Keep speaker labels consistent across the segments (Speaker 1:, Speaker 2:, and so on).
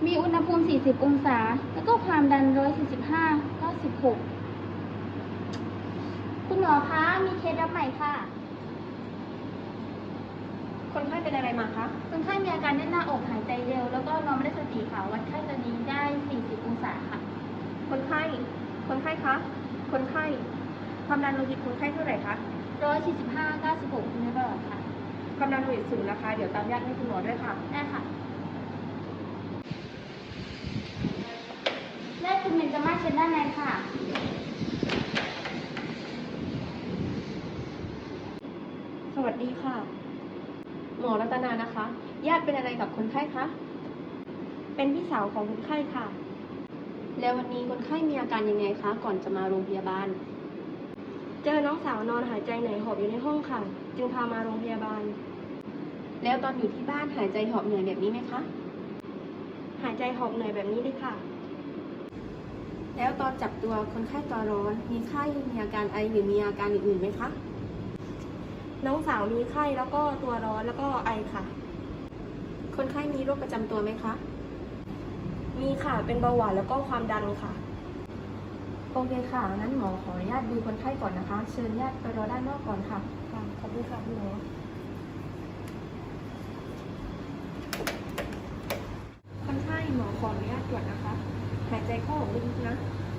Speaker 1: มีอุณหภูมิ 40 องศา แล้วก็ความดัน 145 96 คุณหมอคะ มีเคสรับใหม่ค่ะ
Speaker 2: คนไข้เป็นอะไรมาคะ
Speaker 1: คนไข้มีอาการแน่นหน้าอกหายใจเร็ว แล้วก็นอนไม่ได้สติค่ะ วัดไข้ตอนนี้ได้ 40 องศาค่ะ
Speaker 2: คนไข้ คนไข้คะ คนไข้ ความดันโลหิตคนไข้เท่าไหร่คะ
Speaker 1: 145 96คุณหมอค่ะ
Speaker 2: ความดันโลหิตสูงนะคะ เดี๋ยวตามญาติให้คุณหมอด้วยค่ะ
Speaker 1: ได้ค่ะแรกคุณเบนจาม่าเชิญด้านในค่ะ
Speaker 2: สวัสดีค่ะ หมอรัตนานะคะ ญาติเป็นอะไรกับคนไข้คะ เป็นพี่สาวของคนไข้ค่ะ แล้ววันนี้คนไข้มีอาการยังไงคะ ก่อนจะมาโรงพยาบาล เจอน้องสาวนอนหายใจเหนื่อยหอบอยู่ในห้องค่ะ จึงพามาโรงพยาบาล แล้วตอนอยู่ที่บ้านหายใจหอบเหนื่อยแบบนี้ไหมคะ หายใจหอบเหนื่อยแบบนี้เลยค่ะ แล้วตอนจับตัวคนไข้ตัวร้อน มีไข้ มีอาการไอหรือมีอาการอื่นๆไหมคะ น้องสาวมีไข้แล้วก็ตัวร้อนแล้วก็ไอค่ะ คนไข้มีโรคประจำตัวไหมคะ มีค่ะ เป็นเบาหวานแล้วก็ความดันค่ะ โอเคค่ะ งั้นหมอขออนุญาตดูคนไข้ก่อนนะคะ เชิญญาติไปรอด้านนอกก่อนค่ะ ค่ะ ขอบคุณค่ะคุณหมอ คนไข้หมอขออนุญาตตรวจนะคะ หายใจเข้าออกลึกๆนะ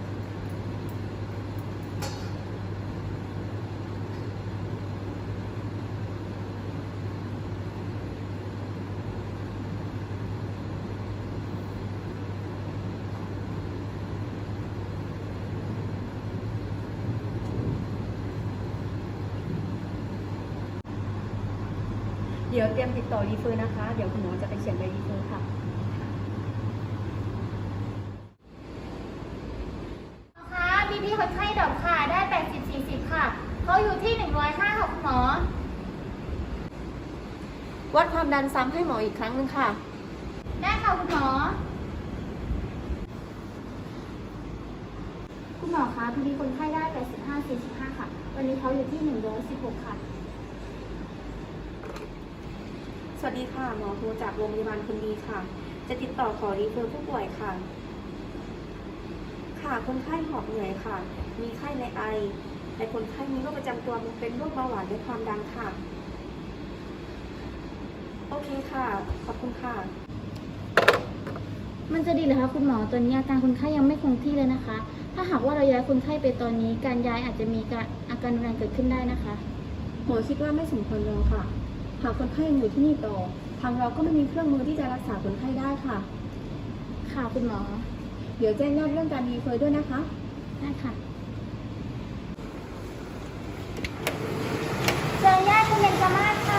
Speaker 2: เดี๋ยวเตรียมติดต่อรีเฟอร์นะคะ เดี๋ยวคุณหมอจะไปเขียนใบรีเฟอร์ค่ะ
Speaker 1: ค่ะพี่คนไข้ดอกค่ะ ได้ 80-40 ค่ะ เขาอยู่ที่ 105 ค่ะคุณหมอ
Speaker 2: วัดความดันซ้ำให้หมออีกครั้งหนึ่งค่ะ
Speaker 1: ได้ค่ะคุณหมอ คุณหมอคะพี่คนไข้ได้ 85-45 ค่ะ วันนี้เขาอยู่ที่ 116 ค่ะ
Speaker 2: สวัสดีค่ะ หมอโทรจากโรงพยาบาลคนดีค่ะ จะติดต่อขอรีเฟอร์ผู้ป่วยค่ะ ค่ะ คนไข้หอบเหนื่อยค่ะ มีไข้ในไอ แต่คนไข้มีโรคประจำตัวเป็นโรคเบาหวานและความดันค่ะ โอเคค่ะ ขอบคุณค่ะ
Speaker 1: มันจะดีเหรอคะคุณหมอ ตอนนี้อาการคนไข้ยังไม่คงที่เลยนะคะ ถ้าหากว่าเราย้ายคนไข้ไปตอนนี้ การย้ายอาจจะมีอาการรุนแรงเกิดขึ้นได้นะคะ
Speaker 2: หมอคิดว่าไม่สมควรรอค่ะ หากคนไข้ยังอยู่ที่นี่ต่อ ทางเราก็ไม่มีเครื่องมือที่จะรักษาคนไข้ได้ค่ะ
Speaker 1: ค่ะคุณหมอ
Speaker 2: เดี๋ยวแจ้งญาติเรื่องการรีเฟอร์ด้วยนะคะ
Speaker 1: ได้ค่ะเจอญาติคุณเบนจาม่าค่ะ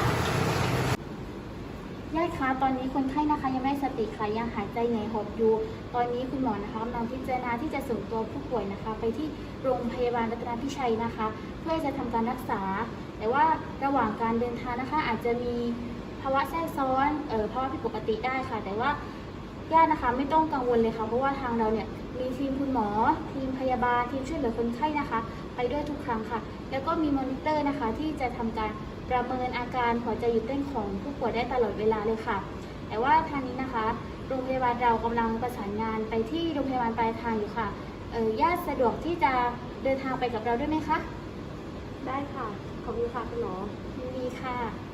Speaker 1: ญาติคะตอนนี้คนไข้นะคะยังไม่ได้สติค่ะยังหายใจเหนื่อยหอบอยู่ ตอนนี้คุณหมอนะคะกำลังพิจารณาที่จะส่งตัวผู้ป่วยนะคะ ไปที่โรงพยาบาลรัตนพิชัยนะคะ เพื่อจะทำการรักษา แต่ว่าระหว่างการเดินทางนะคะ อาจจะมีภาวะแทรกซ้อนภาวะผิดปกติได้ค่ะ แต่ว่าญาตินะคะไม่ต้องกังวลเลยค่ะเพราะว่าทางเราเนี่ยมีทีมคุณหมอทีมพยาบาลทีมช่วยเหลือคนไข้นะคะ ไปด้วยทุกครั้งค่ะ แล้วก็มีมอนิเตอร์นะคะที่จะทำการประเมินอาการหัวใจหยุดเต้นของผู้ป่วยได้ตลอดเวลาเลยค่ะ แต่ว่าทางนี้นะคะโรงพยาบาลเรากำลังประสานงานไปที่โรงพยาบาลปลายทางอยู่ค่ะญาติสะดวกที่จะเดินทางไปกับเราด้วยไหมคะ
Speaker 2: ได้ค่ะ ขอบคุณค่ะคุณหมอ
Speaker 1: ยินดีค่ะ